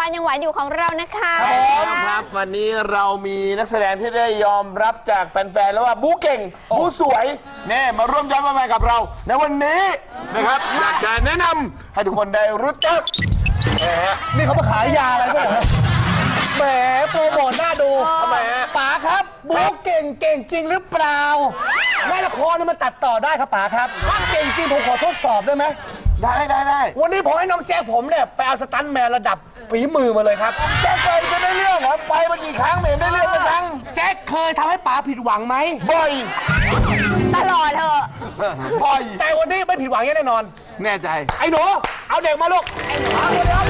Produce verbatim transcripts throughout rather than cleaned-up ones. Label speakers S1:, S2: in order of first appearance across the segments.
S1: านยังหวานอยู่ของเรานะคะ
S2: ครับวันนี้เรามีนักแสดงที่ได้ยอมรับจากแฟนๆแล้วว่าบู๊เก่งบู๊สวยเนี่ยมาร่วมย้อนมากับเราในวันนี้นะครับอยากจะแนะนำให้ทุกคนได้รู้จัก
S3: นี่เขามาขายยาอะไรก็เหรอแหมโปรโมทน่าดู
S2: ทำไมฮะ
S3: ป๋าครับบู๊เก่งเก่งจริงหรือเปล่าในละครนี่มันตัดต่อได้ครับป๋าครับถ้าเก่งจริงผมขอทดสอบได้ไหม
S2: ได้ได้ได้
S3: วันนี้ผมให้น้องแจ๊คผมเนี่ยไปเอาสตันแมนระดับฝีมือมาเลยครับ
S2: แจ็คเคยจะได้เรื่องเหรอไปมากี่ครั้งไม่เห็นได้เรื่องสักครั้ง
S3: แจ็คเคยทำให้ป๋าผิดหวังไหม
S2: บ่อย
S1: ตลอดเถอะ
S2: บ่อย
S3: แต่วันนี้ไม่ผิดหวังแน่นอน
S2: แน่ใจ
S3: ไอ้หนูเอาเด็กมาลูก
S1: ไอ้หนูสวัสดีค่ะ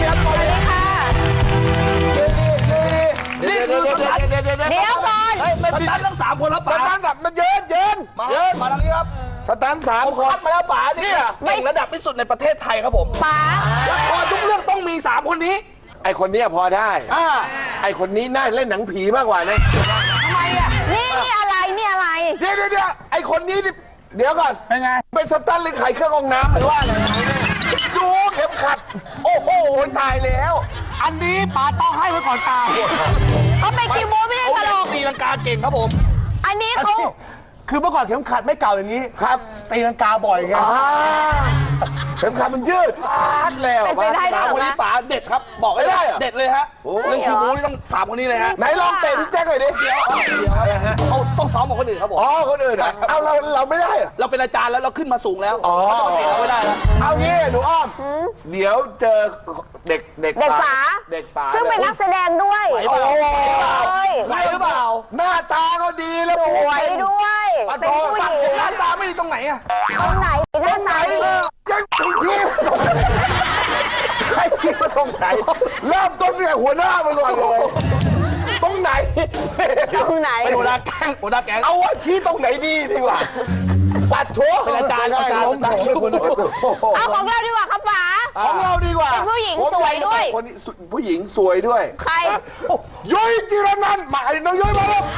S2: เดี๋ยวเดี๋ยวเดี๋ยวเดี๋ยวเดี๋ยวเดี๋ยว
S1: เดี๋ยวก่อน
S3: สตันทั้งสามคนแล้วป๋า
S2: สตันแบบมันเยินเยินเยิน
S3: มาทางนี้ครับ
S2: สตันสามคน
S3: คัดมาแล้วป๋านี่เก่งระดับที่สุดในประเทศไทยครับผม
S1: ป๋า
S3: ละครทุกเรื่องต้องมีสามคนนี้
S2: ไอคนนี้พอได้ไอคนนี้น่าเล่นหนังผีมากกว่านะ
S1: ทำไมอ่ะนี่นี่อะไรนี่อะไร
S2: เดี๋ยวเดี๋ยวเดี๋ยวไอคนนี้เดี๋ยวก่อน
S3: เป็นไง
S2: เป็นสตันหรือไขเครื่องกรองน้ำหรือว่าอะไรดูเข็มขัดโอ้โหตายแล้ว
S3: อันนี้ป๋าต้องให้ไว้ก่อนตา
S1: เขาเป็นคิวบูไม่ใช่ตลก
S3: ตีลังกาเก่งครับผม
S1: อันนี้เขา
S3: คือเมื่อก่อนเข็มขัดไม่เก่าอย่างนี้
S2: ครับ
S3: ตีลังกาบ่อยไง
S2: เข็มขัดมันยืดพาดแล้ว
S1: เป็นไปได้หรอ
S3: คนนี้ป๋าเด็ดครับบอกได้เด็ดเลยฮะเรื่องคิวบูนี่ต้องสามคนนี้เลยฮะ
S2: ไหนลองเตะพี่แจ็คหน่อยดิ
S3: เดี๋ยวเดี๋ยวเขาต้องซ้อมกับคนอื่นครับผม
S2: อ๋อคนอื่นเอาเราเราไม่ได้
S3: เราเป็นอาจารย์แล้วเราขึ้นมาสูงแล้ว
S2: อ๋อ
S3: เราไม่ได้แล้ว
S2: เอางี้หนูอ้อมเดี๋ยวเจอเด็กเด็ก
S1: เด็กป๋า
S2: เด็กป๋า
S1: ซึ่งเป็นนักแสดงด้วย
S3: ไหวหรือเปล่าไหวหรือเปล่า
S2: หน้าตาก็ดีแล้ว
S1: สวยด้วยเป็นผู้หญิง
S3: หน้าตาไม่ดีตรงไหนอะ
S1: ตรงไหนหน้าตา
S2: ยังถึงชี้ใครชี้มาตรงไหนเริ่มต้นเนี่ยหัวหน้ามาก่อนเลยตรงไหน
S1: ตรงไหน
S3: หัวหน้าแก๊งหัวหน้าแก๊ง
S2: เอาว่าชี้ตรงไหนดีดีกว่าปัดโถ
S3: เป็นอาจารย์อาจารย์
S1: เอาของเราดีกว่าครับป๋า
S2: ของเราดีกว่า
S1: เป็นผู้หญิงสวยด้วย
S2: คนนี้ผู้หญิงสวยด้วย
S1: ใคร
S2: ยุ้ยจิรนันท์มาไอ้น้องยุ้ยมาแล้ว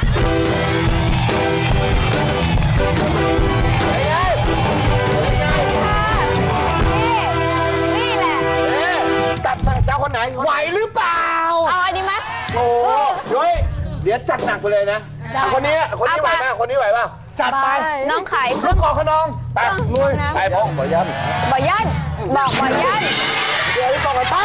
S1: นี่แหละ
S2: จัดมาเจ้าคนไหน
S3: ไหวหรือเปล่า
S1: เอาอันนี้ไหม
S2: โอ้ยุ้ยเดี๋ยวจัดหนักไปเลยนะคนนี้คนนี้ไหวไหมคนนี้ไหวป่ะ
S3: จัดไป
S1: น้องไข่
S3: เครื่องกรองขนอง
S2: ไปลุยไปพ่อบ่อยัน
S1: บ่อยันบอกบ่อยัน
S3: เดี๋ยวต่อกันไป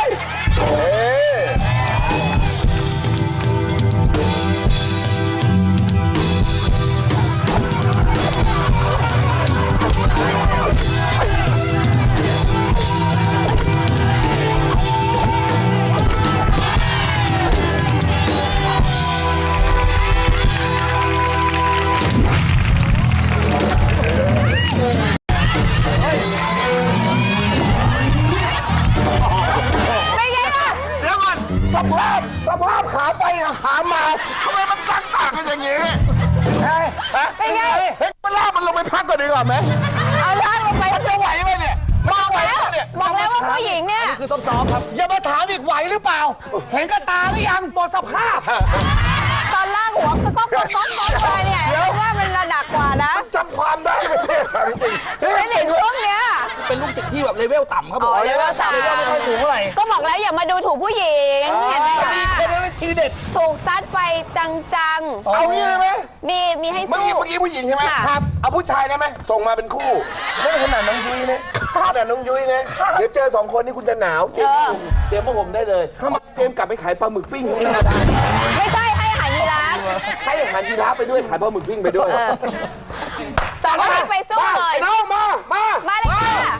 S2: สภาพสภาพขาไปขามาทำไมมันต่างต่างกันอย่างนี้
S1: เป็นไง
S2: เฮ้ยมันลากมันลงไปพักก่อนดีกว่าไหม
S1: เอาลากลงไป
S2: มันจะไหวไหมเนี่ยมาไหวเนี่ย
S1: บอกแล้วว่าผู้หญิงเนี่ย
S3: คือซ้อมๆครับ
S2: อย่ามาถามอีกไหวหรือเปล่าเห็นกับตาหรือยังตัวสภาพ
S1: ตอนล่างหัวก็ก้มก้มก้มก้มไปเนี่ยเพราะว่ามันระดับกว่านะ
S2: จำความได้ไหมจริง
S1: เป็นเด็กพวกเนี้ย
S3: เป็นลูกศิษย์ที่แบบเลเวลต่ำครับผม
S1: เลเวลต่ำ
S3: เลเวลไม่ค่อยสูงเท่าไหร่
S1: ก็บอกแล้วอย่ามาดูถูกผู้หญิงเห็นไหมคะ
S3: เป็นอะไรทีเด็ด
S1: ถูกซัดไปจัง
S2: ๆเอางี้เลยไหม
S1: มีมีให้สู้
S2: เมื่อกี้เมื่อกี้ผู้หญิงใช่ไหมครับเอาผู้ชายได้ไหมส่งมาเป็นคู่ไม่ขนาดน้องยุ้ยนะขนาดน้องยุ้ยนะเดี๋ยวเจอสองคนนี้คุณจะหนาวเตรียมเตรียมพวกผมได้เลยเตรียมกลับไปขายปลาหมึกปิ้งให้ได้
S1: ไม่ใช่ให้อาหารยีราฟ
S2: ให้อาหารยีราฟไปด้วยขายปลาหมึกปิ้งไปด้วย
S1: สองคนไปสู้เลย
S2: น้องมามา
S1: มาเลยค่ะ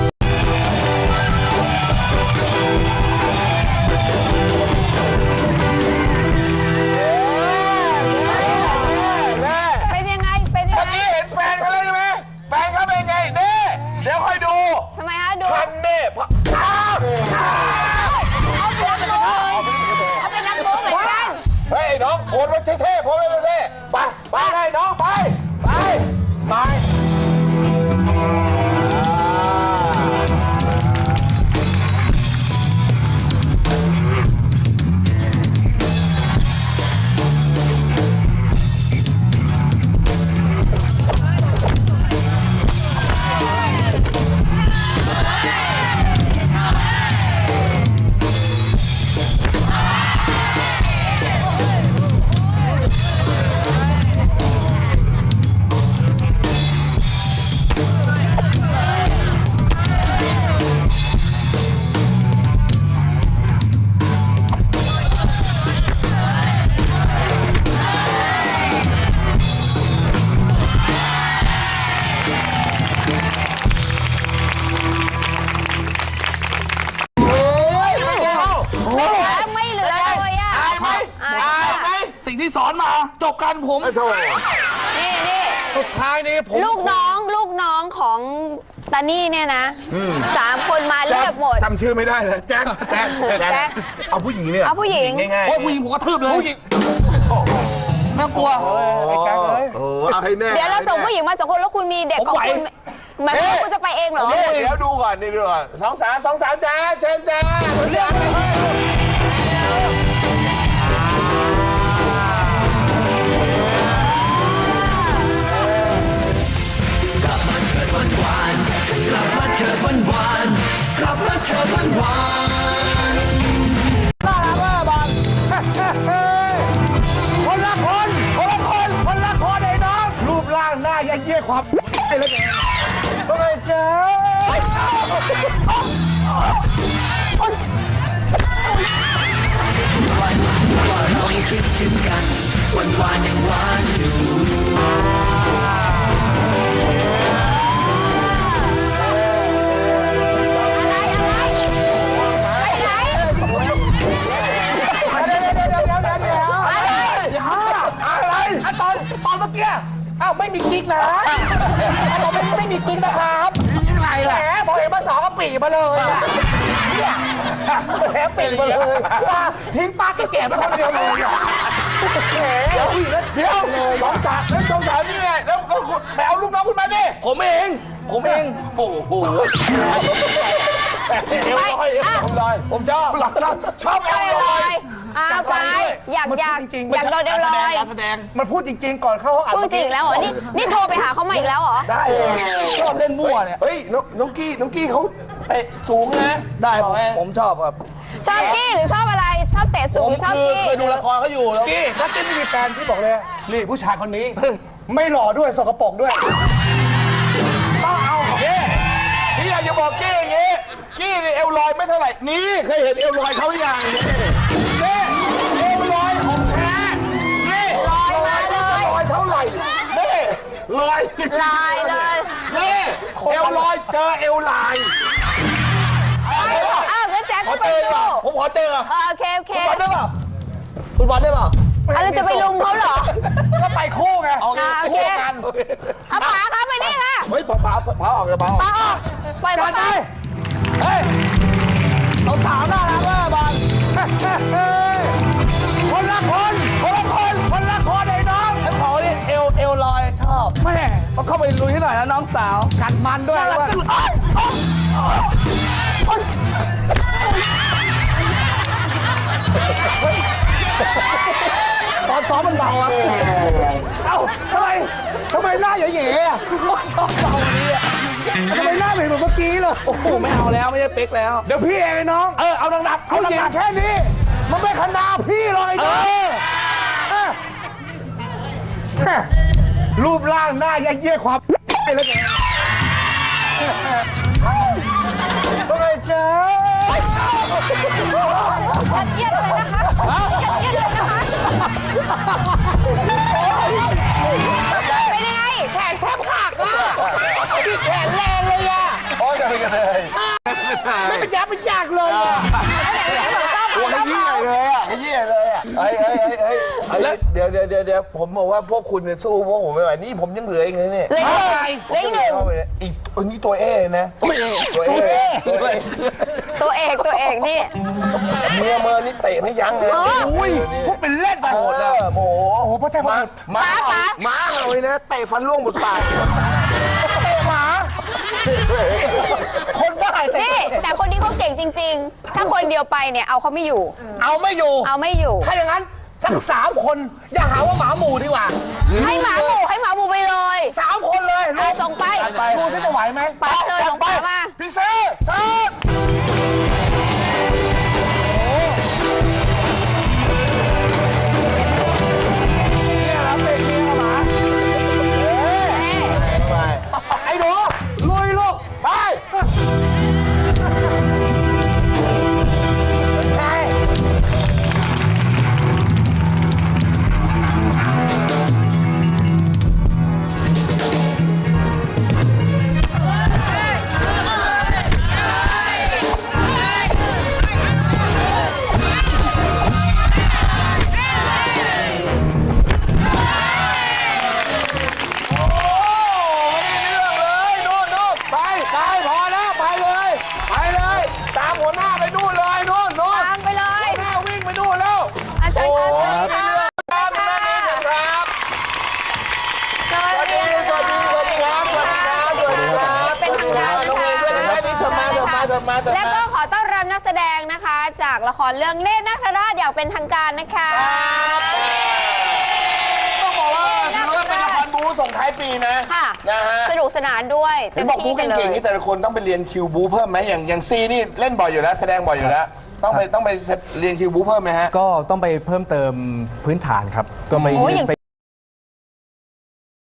S1: เป็นยังไงเป็นยังไง
S2: เมื่อกี้เห็นแฟนเขาแล้วใช่ไหมแฟนเขาเป็นไงเน่เดี๋ยวค่อยดู
S1: ทำไมฮะดู
S2: คันเน่
S1: เอาเป็นนักโม้เอาเป็นนักโม้เหมือนกัน
S2: เฮ้ยน้องโพสไว้เท่ๆโพสไว้เท่ๆไปไปเลยน้องไปไปไป
S4: สอนมาจบกันผม
S2: ไอ้โถ
S1: นี่นี่
S3: สุดท้ายนี้ผม
S1: ลูกน้องลูกน้องของตานี่เนี่ยนะสามคนมาเรียบหมด
S2: จำชื่อไม่ได้เลยแจ็คแจ็ค
S1: แจ็ค
S2: เอาผู้หญิงเนี่ย
S1: เอาผู้หญิง
S2: ง่ายๆ
S4: โอ้ยผู้หญิงผมกระทืบเลยผู้หญิงน่ากลัว
S3: ไอ้แจ็คเลย
S2: โอ้เอาให้แน่
S1: เดี๋ยวเราส่งผู้หญิงมาสองคนแล้วคุณมีเด็กของคุณหมายความว่าคุณจะไปเองเหรอ
S2: เดี๋ยวเดี๋ยวดูก่อนนี่ดูก่อนสองสาวสองสาวจ้าเชิญจ้าเรียกเลย
S3: คนละคนคนละคนคนละคนไอ้น้องรูปร่างหน้ายันเยี่ยความไอ้เล็กเองว่าไงจ๊ะเดี๋ยวเดี๋ยวเดี๋ยวเดี๋ยวเดี๋ยวเดี๋ยวอะไรอะไรอะตอนตอนเมื่อกี้อ้าวไม่มีกิ๊กนะเราไม่ไม่มีกิ๊กนะครับอะไรแหมพอเห็นมาสองก็ปีมาเลยอะเนี่ยแหมปีมาเลยว่าทิ้งป้าแก่ๆไปคนเดียวเลยอะแหมเอาอีกแล้ว
S2: เดี๋ยวสองสาวแล้วสองสาวนี่ไงแล้วก็ไปเอาลูกน้องคุณมาดิ
S4: ผมเองผมเอง
S2: โอ้โห
S4: เอวลอยเอวลอยผมชอบ
S2: หลักการชอบ
S1: ไป
S2: เอา
S1: เล
S2: เลย
S1: ยอ้าวไปอยากอยากอยากโดนเดวลอย
S4: การแสดง
S3: มันพูดจริง ๆ ก่อนเข้าห้องอัด
S1: พูดจริงแล้วเหรอ นี่นี่โทรไปหาเขามาอีกแล้วเหรอ
S3: ได้
S4: ชอบเล่นมั่วเนี่ย
S2: เฮ้ยน้องน้องกี้น้องกี้เขาเตะสูงนะ
S4: ได้ผมผมชอบครับ
S1: ชอบกี้หรือชอบอะไร ชอบเตะสู
S4: ผ
S1: งห
S4: ม
S1: รือชอบ
S4: คือ
S1: กี้
S4: เคยดูละครเขาอยู่แล้ว
S3: กี้ถ้ากี้ไม่มีแฟนพี่บอกเลยนี่ผู้ชายคนนี้ ไม่หล่อด้วยสกปรกด้วยต้องเอา
S2: เก้พี่อยากจะบอกเก้อย่างงี้กี้นี่เอวลอยไม่เท่าไหร่นี่เคยเห็นเอวลอยเขาหรือยังนี่นี่เอวลอยของแท้นี่
S1: ลอยมาเลย
S2: ลอยเท่าไหร่นี่ลอย
S1: ลายเลย
S2: นี่เอวลอยเจอเอวลาย
S1: อ้าวงั้นแจ็ค
S4: ขอ
S1: ก็ไป
S4: เจอดีก
S1: สู้
S4: ว่าผมขอเจอ
S1: เออโอเคโอเค
S4: คุณบอลได้เปล่าคุณบอลได้เปล่า
S1: อะไรจะไปลุมเขาเหรอ
S3: ก็ไปคู่ไง
S4: โอเค
S1: อ่าโอเค
S4: คู่กัน
S1: เอาป๋าครับไปนี่ค่ะ
S2: เฮ้ยป๋าป๋าป๋าออกเลยป๋าออก
S1: ป๋าออกปล่อย
S3: จั
S1: เขา
S3: ด
S1: ไป
S3: ไป
S4: เฮ้ยเราสาวน่ารักมากบอล
S3: คนละคนคนละคนคนละคนไอ้น้อง
S4: ฉันขอนี่เอวเอวลอยชอบ
S3: แม่
S4: ต้องเข้าไปลุยให้หน่อยนะน้องสาว
S3: กัดมันด้วย
S4: น่ารัก
S3: ว่า
S4: จังเลยตอนซ้อมมันเบาอะ
S3: เอ้าทำไมทำไมหน้าแย่ๆอะ
S4: ชอบเบาวันนี้อะ
S3: ทำไมหน้าเหมือนเมื่อกี้เลย
S4: โอ้โหไม่เอาแล้วไม่ใช่เป๊กแล้ว
S3: เดี๋ยวพี่เองไอ้น้อง
S4: เออเอาหนักๆเอา
S3: ผู้หญิ
S4: ห
S3: ง
S4: นัก
S3: แค่นี้ มันไม่ขนาพี่เลย
S4: ๆเอ
S3: นะ
S4: อ
S3: เออแม่รูปร่างหน้ายันเยี่ยความไอ้เล็กเองว่าไงจ๊ะ
S1: ยัดเยียดเลยนะคะยัดเยียดเลยนะคะเป็นยังไง
S3: แขนแทบขาดอ่ะพี่แขนแรงเลยอ่ะ
S2: โอ้ยจะเป็นกันเลย
S3: ไม่เป็นยาเป็นยากเลยอ่ะ
S1: แล้วไหนไหนบอกชอบ
S2: โอ้
S1: เขา
S2: ย
S1: ชอบ
S2: ขยี้
S1: เขา
S2: เลยอ่ะขยี้เลยอ่ะเฮ้ยเฮ้ยเฮ้ยเฮ้ยเฮ้ยเดี๋ยวเดี๋ยวเดี๋ยวเดี๋ยวผมบอกว่าพวกคุณเนี่ยสู้พวกผมไม่ไหวนี่ผมยังเหลืออีกเลยเนี่ย
S1: เหลยเหลยหนึ่ง
S2: อีกอันนี้ตัวเอนะตัวเอตัวเอ
S1: ตัวเอกตัวเอกนี่
S2: เมียเมินนี่เตะไม่ยั้งเลย
S3: อุ้ยพวกเป็นเล่นไป
S2: โหดอะโมโห
S3: โอ้โหพ่อแท้พ่อ
S2: มา
S3: บุตร
S2: มามาเลยนะเตะฟันร่วงหมดปาก
S3: เตะหมา คนบ้าเตะ
S1: นี่แต่คนนี้เขาเก่งจริง ๆ ถ้าคนเดียวไปเนี่ยเอาเขาไม่อยู่
S3: เอาไม่อยู่
S1: เอาไม่อยู่
S3: ถ้าอย่างนั้นสักสามคน อย่าหาว่าหมาหมู่ดีกว่า
S1: ให้หมาหมูให้หมาหมูไปเลย
S3: สามคนเลย
S1: เอาส่งไป
S3: ดูซิจะไหวไหม
S1: ป๋าเชิญของป๋ามา
S2: พี่เซ่เซ่
S3: เนี่ยเราเป็นเมียกับหมา
S2: ไป
S3: ไอ้หนูลุยลูก
S2: ไป
S3: ไป
S2: เเถิดมาเถิด
S1: และก็
S2: มา
S1: ขอต้อนรับนักแสดงนะคะ จากละครเรื่องเนตรนาคราชอย่างเป็นทางการนะคะ
S2: ต้องบอกว่าถือว่าเป็นละครบู๊ส่งท้ายปีนะ
S1: ค่ะ
S2: นะฮะ
S1: สนุกสนานด้วย
S2: เห็นบอกบู๊
S1: กันเล
S2: เก่งๆ
S1: ย
S2: นี่แต่ละคนต้องไปเรียนคิวบู๊เพิ่มไหมอย่างอย่างซีนี่เล่นบ่อยอยู่แล้วแสดงบ่อยอยู่แล้วต้องไปต้องไปเรียนคิวบู๊เพิ่มไหมฮะ
S5: ก็ต้องไปเพิ่มเติมพื้นฐานครับ ก็ไป
S1: โอ้ยอย่าง